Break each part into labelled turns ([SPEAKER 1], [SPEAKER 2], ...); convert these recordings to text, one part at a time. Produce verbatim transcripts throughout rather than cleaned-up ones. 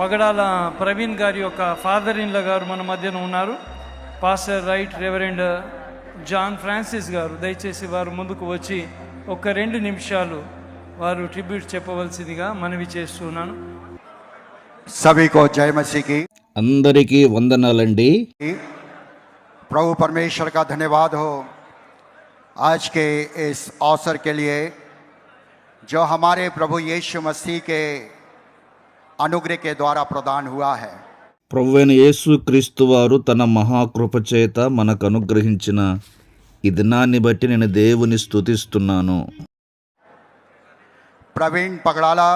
[SPEAKER 1] పగడాల ప్రవీణ్ గారి యొక్క father in law గారు మన మధ్యన ఉన్నారు. Pastor right reverend John Francis గారు, దయచేసి వారు ముందుకు వచ్చి ఒక రెండు నిమిషాలు వారు ట్రిబ్యూట్ చెప్పవలసిందిగా మనవి చేస్తున్నాను.
[SPEAKER 2] सभी को जय मसीह की.
[SPEAKER 3] అందరికీ వందనాలండి.
[SPEAKER 2] प्रभु परमेश्वर का धन्यवाद हो आज के इस अवसर के लिए जो हमारे प्रभु यीशु मसीह के अनुग्रह के द्वारा प्रदान हुआ है.
[SPEAKER 3] ప్రభువైన యేసు క్రీస్తు వారు తన మహాకృప చేత మనకు అనుగ్రహించిన ఈ దినాన్ని బట్టి నేను దేవుని స్తుతిస్తున్నాను.
[SPEAKER 2] प्रवीण पगड़ाला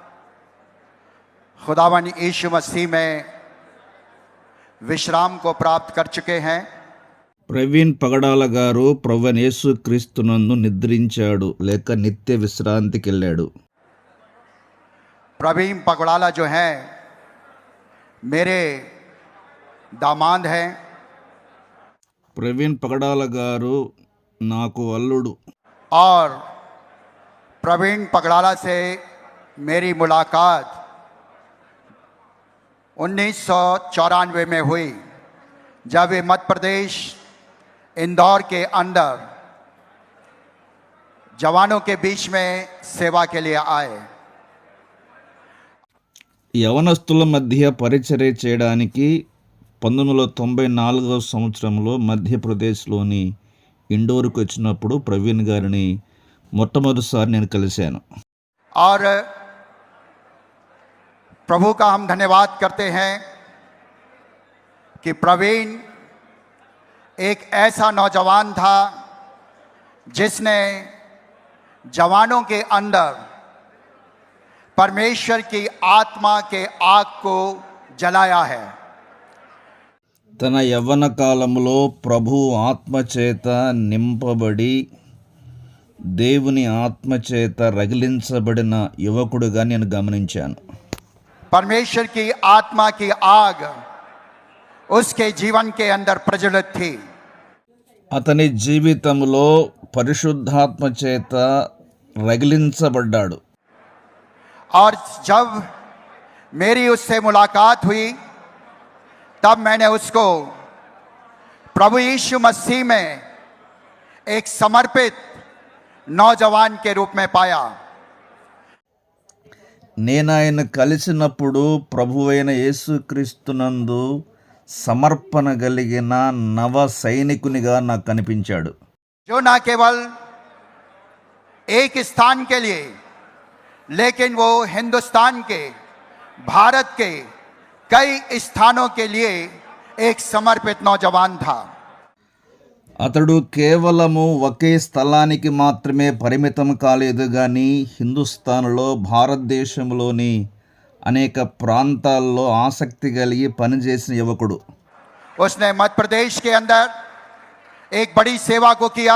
[SPEAKER 2] खुदावन यीशु मसीह में विश्राम को प्राप्त कर चुके हैं.
[SPEAKER 3] ప్రవీణ్ పగడాల గారు ప్రభువైన యేసు క్రీస్తునందు నిద్రించాడు లేక నిత్య విశ్రాంతికి వెళ్ళాడు.
[SPEAKER 2] प्रवीण पगड़ाला जो है मेरे दामाद हैं.
[SPEAKER 3] ప్రవీణ్ పగడాల గారు నాకు అల్లుడు.
[SPEAKER 2] और प्रवीण पगड़ाला से मेरी मुलाकात उन्नीस सौ चौरानवे में हुई जब वे मध्य प्रदेश इंदौर के अंदर जवानों के बीच में सेवा के लिए आए.
[SPEAKER 3] యవనస్తుల మధ్య పరిచర్య చేయడానికి పంతొమ్మిది వందల తొంభై నాలుగవ సంవత్సరంలో మధ్యప్రదేశ్లోని ఇండోర్కి వచ్చినప్పుడు ప్రవీణ్ గారిని మొట్టమొదటిసారి నేను కలిశాను.
[SPEAKER 2] और प्रभु का हम धन्यवाद करते हैं कि प्रवीण एक ऐसा नौजवान था जिसने जवानों के अंदर परमेश्वर की आत्मा के आग को जलाया है.
[SPEAKER 3] తన యవ్వన కాలంలో ప్రభు ఆత్మచేత నింపబడి దేవుని ఆత్మచేత రగిలించబడిన యువకుడుగా నేను గమనించాను.
[SPEAKER 2] परमेश्वर की आत्मा की आग उसके जीवन के अंदर प्रज्वलित थी.
[SPEAKER 3] అతని జీవితంలో పరిశుద్ధాత్మ చేత రగిలించబడ్డాడు.
[SPEAKER 2] और जब मेरी उससे मुलाकात हुई तब मैंने उसको प्रभु यीशु मसीह में एक समर्पित नौजवान के रूप में पाया.
[SPEAKER 3] నేను ఆయన కలిసినప్పుడు ప్రభువైన యేసుక్రీస్తునందు సమర్పణ కలిగిన నవ సైనికునిగా నాకు కనిపించాడు.
[SPEAKER 2] जो न केवल एक स्थान के लिए लेकिन वो हिंदुस्तान के भारत के कई स्थानों के लिए एक समर्पित नौजवान था.
[SPEAKER 3] అతడు కేవలము ఒకే స్థలానికి మాత్రమే పరిమితం కాలేదు కానీ హిందుస్థాన్లో భారతదేశంలోని అనేక ప్రాంతాల్లో ఆసక్తి కలిగి పనిచేసిన యువకుడు.
[SPEAKER 2] उसने मध्य प्रदेश के अंदर एक बड़ी सेवा को किया.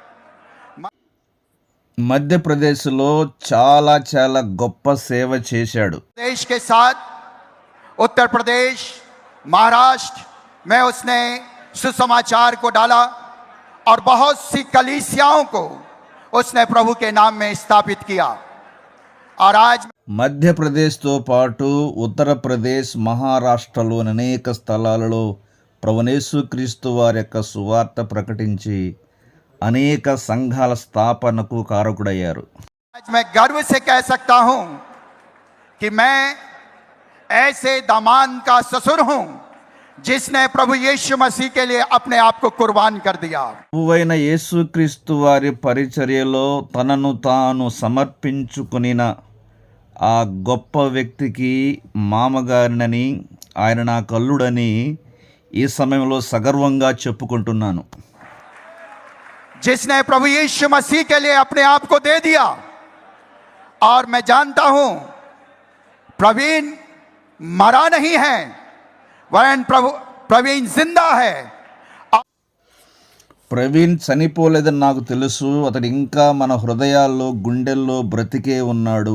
[SPEAKER 3] మధ్యప్రదేశ్లో చాలా చాలా గొప్ప సేవ చేశాడు.
[SPEAKER 2] देश के साथ उत्तर प्रदेश महाराष्ट्र में उसने सुसमाचार को डाला और बहुत सी कलीसियाओं को उसने प्रभु के नाम में स्थापित किया. और आज
[SPEAKER 3] మధ్యప్రదేశ్తో పాటు ఉత్తరప్రదేశ్ మహారాష్ట్రలోని అనేక స్థలాలలో ప్రభువైన యేసుక్రీస్తు వారి యొక్క సువార్త ప్రకటించి అనేక సంఘాల స్థాపనకు కారకుడయ్యారు.
[SPEAKER 2] आज मैं गर्व से कह सकता हूं कि मैं ऐसे दामाद का ससुर हूं जिसने प्रभु यीशु मसीह के लिए अपने आप को कुर्बान कर दिया.
[SPEAKER 3] ప్రభువైన యేసుక్రీస్తు వారి పరిచర్యలో తనను తాను సమర్పించుకునిన ఆ గొప్ప వ్యక్తికి మామగారినని ఆయన నా కల్లుడని ఈ సమయంలో సగర్వంగా చెప్పుకుంటున్నాను.
[SPEAKER 2] जिसने प्रभु यीशु मसीह के लिए अपने आप को दे दिया. और मैं जानता हूं प्रवीण मरा नहीं है वरन प्रभु प्रवीण जिंदा है.
[SPEAKER 3] ప్రవీణ్ చనిపోలేదని నాకు తెలుసు. అతడు ఇంకా మన హృదయాల్లో గుండెల్లో బ్రతికే ఉన్నాడు.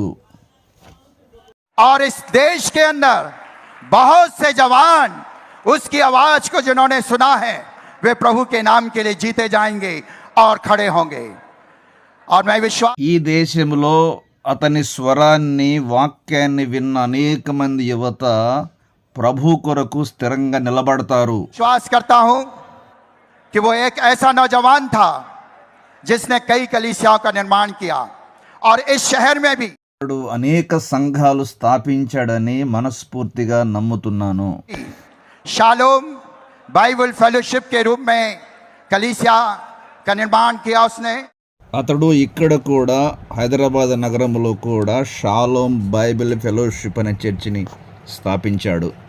[SPEAKER 2] और इस देश के अंदर बहुत से जवान उसकी आवाज को जिन्होंने सुना है वे प्रभु के नाम के लिए जीते जाएंगे और खड़े होंगे. और मैं विश्वास
[SPEAKER 3] ఈ దేశంలో అతని స్వరాన్ని వాక్యాన్ని విన్న అనేక మంది యువత ప్రభు కొరకు స్థిరంగా నిలబడతారు.
[SPEAKER 2] विश्वास करता हूं कि वो एक ऐसा नौजवान था जिसने कई कलीसियाओं का निर्माण किया और इस शहर में भी
[SPEAKER 3] అతడు అనేక సంఘాలు స్థాపించాడని మనస్ఫూర్తిగా నమ్ముతున్నాను.
[SPEAKER 2] शालोम बाइबल फेलोशिप के रूप में कलीसिया का निर्माण किया उसने.
[SPEAKER 3] అతడు ఇక్కడ కూడా హైదరాబాద్ నగరంలో కూడా షాలోమ్ బైబిల్ ఫెలోషిప్ అనే చర్చిని స్థాపించాడు.